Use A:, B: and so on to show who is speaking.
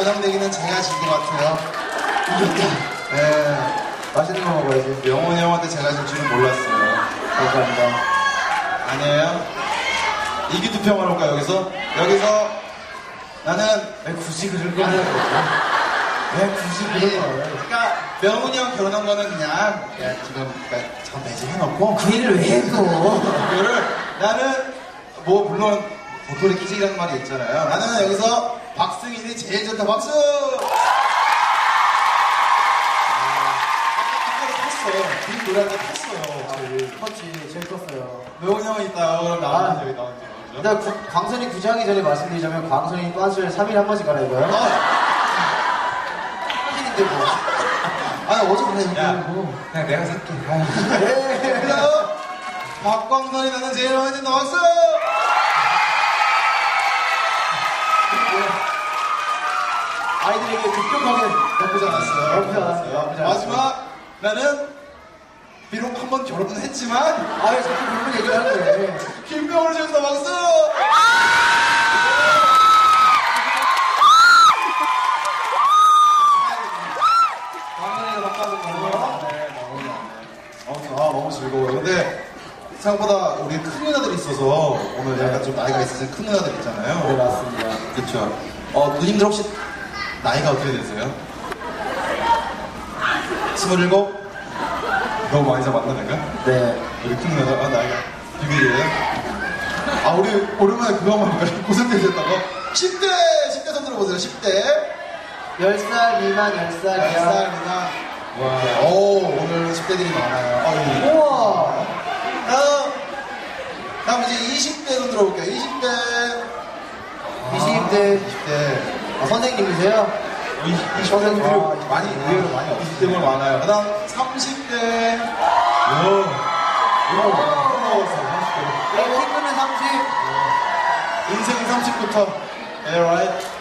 A: 내기는 제가 진 것 같아요.
B: 이겼다.
A: 네.
B: 맛있는 거 먹어야지.
A: 명훈이 형한테 제가 질 줄은 몰랐어요.
B: 감사합니다.
A: 아니에요? 이기 투표만 할까 여기서? 여기서 나는
B: 왜 굳이 그런 거 하는 거야? 왜 굳이 그런 거 하냐?
A: 그러니까 명훈이 형 결혼한 거는 그냥 지금 그러니까 전 매진해놓고
B: 그 일을 왜 해, 또?
A: 그거를 나는 뭐 물론 도토리 키즈라는 말이 있잖아요. 나는 여기서 박승인이 제일 좋다 박수! 이 노래할 때 탔어요.
B: 컸지, 제일 컸어요.
A: 명훈이 형이 있다. 그럼 나오는 저기 나오죠.
B: 일단 광선이 구장하기 전에 말씀드리자면 광선이 빤스를 3일에 한 번씩 갈아입어요. 팬인데 뭐. 아니 어제 그냥 얘기하고.
A: 그냥 내가 살게.
B: 네.
A: 그래서 박광선이 나는 제일 많이 듣는 박수!
B: 아이들에게 급격하게
A: 나쁘지 않았어요.
B: 나쁘지 않았어요.
A: 마지막 나는 비록 한 번 결혼은 했지만
B: 아왜 자꾸 그런 얘기를 하는데.
A: 김병호를 지었다 박수!
B: 광선이가 바꿔준 거.
A: 네, 너무 즐거워요. 근데 생각보다 우리 큰 누나들이 있어서 오늘 약간 좀 나이가 있으신 큰 누나들 있잖아요.
B: 네 맞습니다.
A: 그렇죠. 누님들 혹시 나이가 어떻게 되세요? 27? 너무 많이 잡았나 내가?
B: 네.
A: 우리 큰 누나가 나이가 비밀이에요? 우리 오랜만에 그거 한번 볼까요? 고생되셨다고? 10대 손 들어보세요. 10대
B: 10살 미만 10살이야.
A: 10살 미만. 와. 오, 오늘 10대들이 많아요.
B: 우와.
A: 다음 이제 20대 손 들어볼게요. 20대
B: 20대
A: 20대
B: 선생님이세요?
A: 20대 많이 의외로 많이 없어요. 20대가 많아요. 그 다음 30대
B: 네, 핑크는 30.
A: 인생 30부터. Alright.